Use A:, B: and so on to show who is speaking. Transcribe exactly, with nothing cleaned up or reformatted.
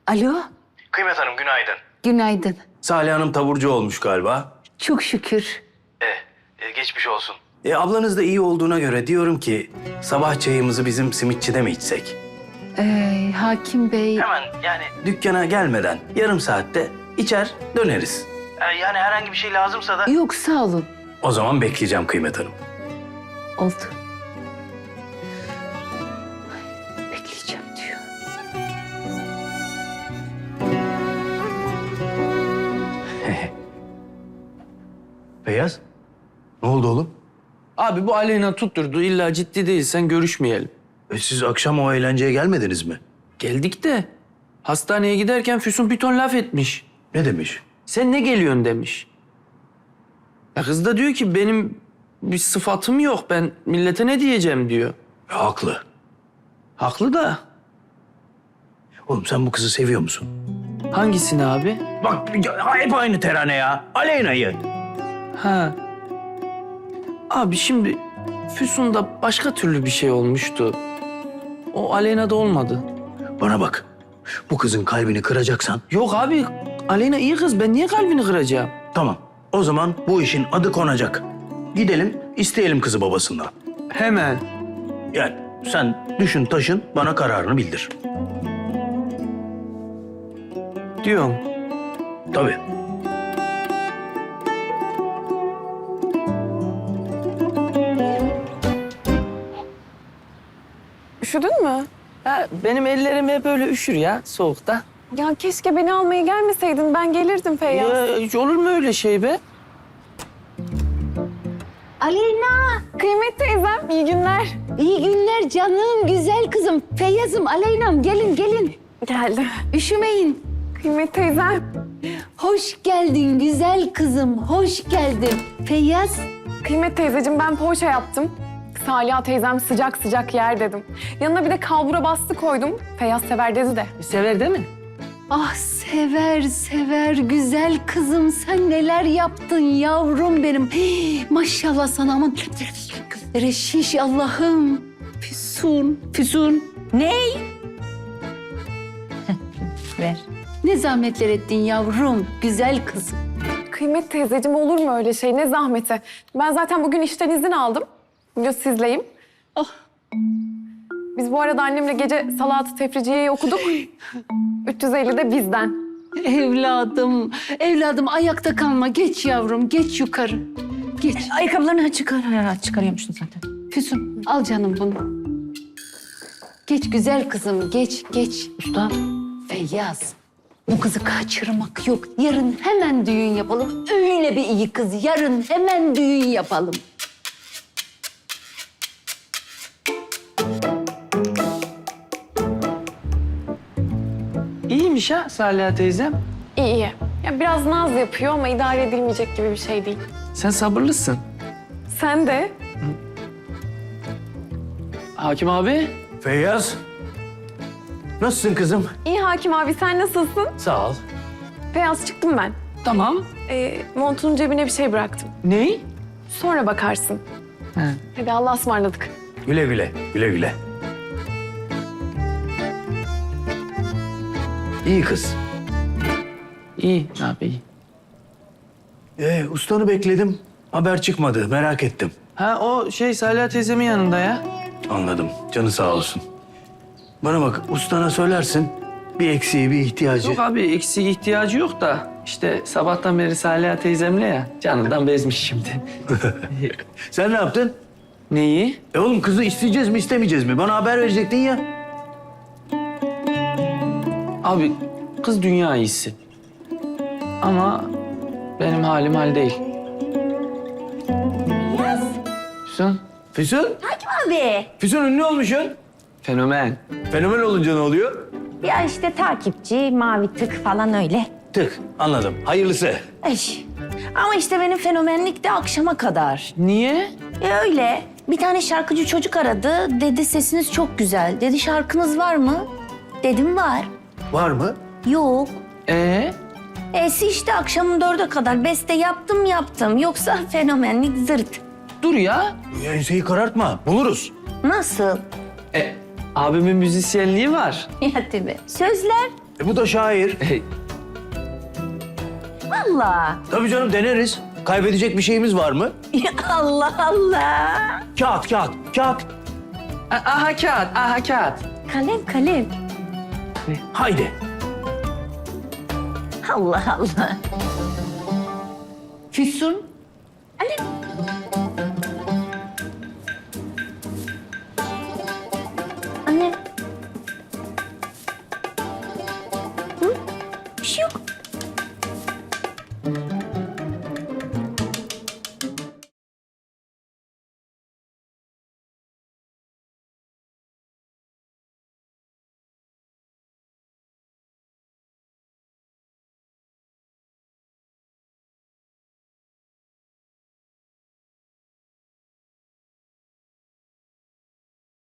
A: Alo,
B: Kıymet Hanım günaydın.
A: günaydın.
B: Salih Hanım taburcu olmuş galiba.
A: Çok şükür.
B: E, e, geçmiş olsun. E, ablanız da iyi olduğuna göre diyorum ki sabah çayımızı bizim simitçide mi içsek?
A: Ee, Hakim Bey,
B: Hemen yani dükkana gelmeden yarım saatte içer döneriz. E, yani herhangi bir şey lazımsa da...
A: yok sağ olun.
B: O zaman bekleyeceğim Kıymet Hanım.
A: Oldu. Bekleyeceğim diyor.
B: Beyaz, ne oldu oğlum?
C: Abi bu Aleyna tutturdu. İlla ciddi değilsen görüşmeyelim.
B: E, siz akşam o eğlenceye gelmediniz mi?
C: Geldik de hastaneye giderken Füsun bir ton laf etmiş.
B: Ne demiş?
C: Sen ne geliyorsun demiş. Ya kız da diyor ki benim bir sıfatım yok. Ben millete ne diyeceğim diyor.
B: E, haklı.
C: Haklı da.
B: Oğlum sen bu kızı seviyor musun?
C: Hangisini abi?
B: Bak ya, hep aynı terane ya. Aleyna'yı.
C: Ha. Abi şimdi Füsun'da başka türlü bir şey olmuştu. O Aleyna'da olmadı.
B: Bana bak. Bu kızın kalbini kıracaksan
C: Yok abi Aleyna iyi kız. Ben niye kalbini kıracağım?
B: tamam. O zaman bu işin adı konacak. Gidelim isteyelim kızı babasından.
C: Hemen.
B: Yani sen düşün taşın bana kararını bildir.
C: Diyorum.
B: Tabii.
D: Üşüdün mü?
C: Ha, benim ellerim hep böyle üşür ya soğukta.
D: Ya keşke beni almaya gelmeseydin. Ben gelirdim Feyyaz.
C: Ya, hiç olur mu öyle şey be?
A: Aleyna,
D: Kıymet teyzem, iyi günler.
A: iyi günler canım, güzel kızım. Feyyaz'ım, Aleyna'm gelin gelin.
D: Geldi.
A: Üşümeyin.
D: Kıymet teyzem.
A: Hoş geldin güzel kızım, hoş geldin. Feyyaz,
D: Kıymet teyzeciğim ben poğaça yaptım. Salih teyzem sıcak sıcak yer dedim. Yanına bir de kalbura bastı koydum. Feyyaz sever dedi de.
C: Sever değil mi?
A: ah sever sever güzel kızım. Sen neler yaptın yavrum benim. Hii, maşallah sana aman. Gözleri şiş Allah'ım. Füsun, Füsun. Ney? Ver. Ne zahmetler ettin yavrum, güzel kızım.
D: Kıymet teyzeciğim olur mu öyle şey? Ne zahmeti. Ben zaten bugün işten izin aldım. Bugün sizleyim.
A: Ah.
D: Biz bu arada annemle gece Salat-ı Tefriciye'yi okuduk. üç yüz elli de bizden.
A: Evladım, evladım ayakta kalma. Geç yavrum, geç yukarı. Geç.
E: Ayakkabılarını çıkar. Ha, çıkarıyormuşsun zaten.
A: Füsun, al canım bunu. Geç güzel kızım, geç, geç.
E: Usta.
A: Feyyaz, bu kızı kaçırmak yok. Yarın hemen düğün yapalım. Öyle bir iyi kız, yarın hemen düğün yapalım.
C: İyiymiş ha Salih teyzem.
D: İyi iyi. Ya biraz naz yapıyor ama idare edilmeyecek gibi bir şey değil.
C: Sen sabırlısın.
D: Sen de.
C: Hakim abi.
B: Feyyaz. Nasılsın kızım?
D: İyi Hakim abi sen nasılsın?
B: Sağ ol.
D: Feyyaz çıktım ben.
C: Tamam.
D: Ee, montunun cebine bir şey bıraktım.
C: Ney?
D: Sonra bakarsın.
C: He.
D: Hadi Allah'a ısmarladık.
B: Güle güle, güle güle. İyi kız.
C: İyi abi iyi.
B: Ee, ustanı bekledim. Haber çıkmadı. Merak ettim.
C: Ha o şey Salih teyzemin yanında ya.
B: Anladım. Canı sağ olsun. Bana bak ustana söylersin. Bir eksiği, bir ihtiyacı.
C: Yok abi eksiği ihtiyacı yok da işte sabahtan beri Salih teyzemle ya canından bezmiş şimdi.
B: Sen ne yaptın?
C: Neyi?
B: E oğlum kızı isteyeceğiz mi istemeyeceğiz mi? Bana haber verecektin ya.
C: Abi kız dünya iyisi. Ama benim halim hal değil. Füsun.
B: Füsun?
E: Abi.
B: Füsun ünlü olmuşsun.
C: Fenomen.
B: Fenomen olunca ne oluyor?
E: Ya işte takipçi, mavi tık falan öyle.
B: Tık. Anladım. Hayırlısı.
E: Ay. Ama işte benim fenomenlik de akşama kadar.
C: Niye?
E: E öyle. Bir tane şarkıcı çocuk aradı. Dedi sesiniz çok güzel. Dedi şarkınız var mı? Dedim var.
B: Var mı?
E: Yok.
C: Ee?
E: Esi işte akşamın dörde kadar beste yaptım yaptım. Yoksa fenomenlik zırt.
C: Dur ya.
B: Enseyi karartma. Buluruz.
E: Nasıl?
C: E, abimin müzisyenliği var.
E: Ya tabii. Sözler?
B: E, bu da şair.
E: Allah.
B: Tabii canım deneriz. Kaybedecek bir şeyimiz var mı?
E: Allah Allah.
B: Kağıt, kağıt, kağıt.
C: Aha kağıt, aha kağıt.
E: Kalem kalem.
B: Haydi.
E: Allah Allah.
A: Füsun.
E: Kalem.